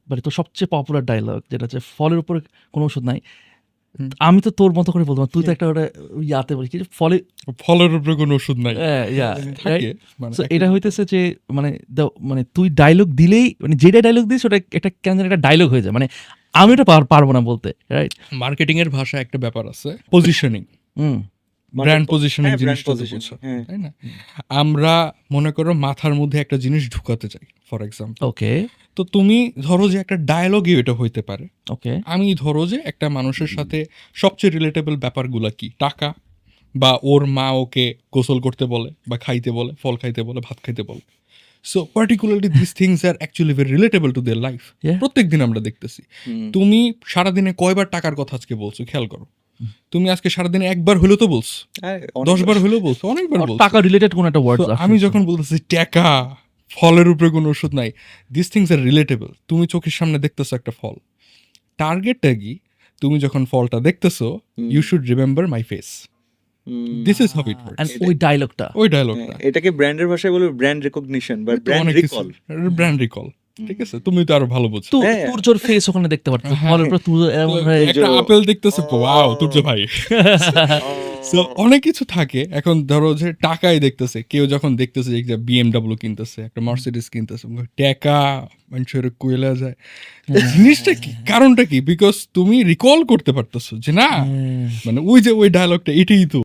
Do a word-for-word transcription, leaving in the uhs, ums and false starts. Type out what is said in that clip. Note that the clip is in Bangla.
মানে তোর সবচেয়ে পপুলার ডায়লগ যেটা হচ্ছে ফলের উপরে কোনো ওষুধ নাই। আমি তো তোর মতো করে বলবো তুই তো একটা ওটা ইয়াতে বলি কি ফলে ফলের উপরে কোনো ওষুধ নাই ইয়া থাকে মানে সো এটা হইতেছে যে মানে মানে তুই ডায়লগ দিলেই মানে যেটা ডায়লগ দিস ওটা একটা কেন জানি একটা ডায়লগ হয়ে যায়, মানে আমি ওটা পারবো না বলতে, রাইট? মার্কেটিং এর ভাষায় একটা ব্যাপার আছে পজিশনিং, হুম ব্র্যান্ড পজিশনিং হ্যাঁ, brand জিনিসটা তো positioning, বুঝছো, হ্যাঁ। তাই না? আমরা মনে করো মাথার মধ্যে একটা জিনিস ঢুকাতে চাই ফর এক্সাম্পল, ওকে তো তুমি ধরো যে একটা ডায়লগই এটা হইতে পারে। ওকে আমি ধরো যে একটা মানুষের সাথে সবচেয়ে রিলেটেবল ব্যাপারগুলা কি, টাকা, বা ওর মা ওকে গোসল করতে বলে বা খাইতে বলে, ফল খাইতে বলে, ভাত খাইতে বলে। So particularly this things are actually very relatable to their life. Yeah. প্রত্যেক দিন আমরা দেখতেছি। তুমি সারাদিনে কয়বার টাকার কথা আজকে বলছো খেয়াল করো। তুমি আজকে সারাদিনে একবার হলেও তো বলছো, হ্যাঁ, দশ বার হলেও বলছো, অনেকবার বলছো। টাকা রিলেটেড কোন একটা ওয়ার্ড So, আমি যখন বলতেছি টাকা, ফলের উপরে কোনো ওষুধ নাই, দিস থিংস আর রিলেটেবল। তুমি চোখের সামনে দেখতেছো একটা ফল, টার্গেটটা কি? তুমি যখন ফলটা দেখতেছো, you should remember my face, this is how it works. ওই ডায়লগটা ওই ডায়লগটা এটাকে ব্র্যান্ডের ভাষায় বলে ব্র্যান্ড রেকগনিশন বা ব্র্যান্ড রিকল। ব্র্যান্ড রিকল, ঠিক আছে? তুমি তো আরো ভালো বুঝছো। তুই হ্যাঁ। তোর জোর ফেস ওখানে দেখতে পারতো ফলের উপরে তুই এমন হয়ে একটা আপেল দেখতেছে, ওয়াও তুর্য ভাই। So, অনেক কিছু থাকে। এখন ধরো যে টাকাই দেখতেছে, কেউ যখন দেখতেছে যে বিএমডাব্লিউ কিনতেছে, একটা মার্সিডিজ কিনতেছে, টাকা মানুষের কইলা যায়। জিনিসটা কি, কারণটা কি? বিকজ তুমি রিকল করতে পারতেছো যে না, মানে ওই যে ওই ডায়লগটা এটাই তো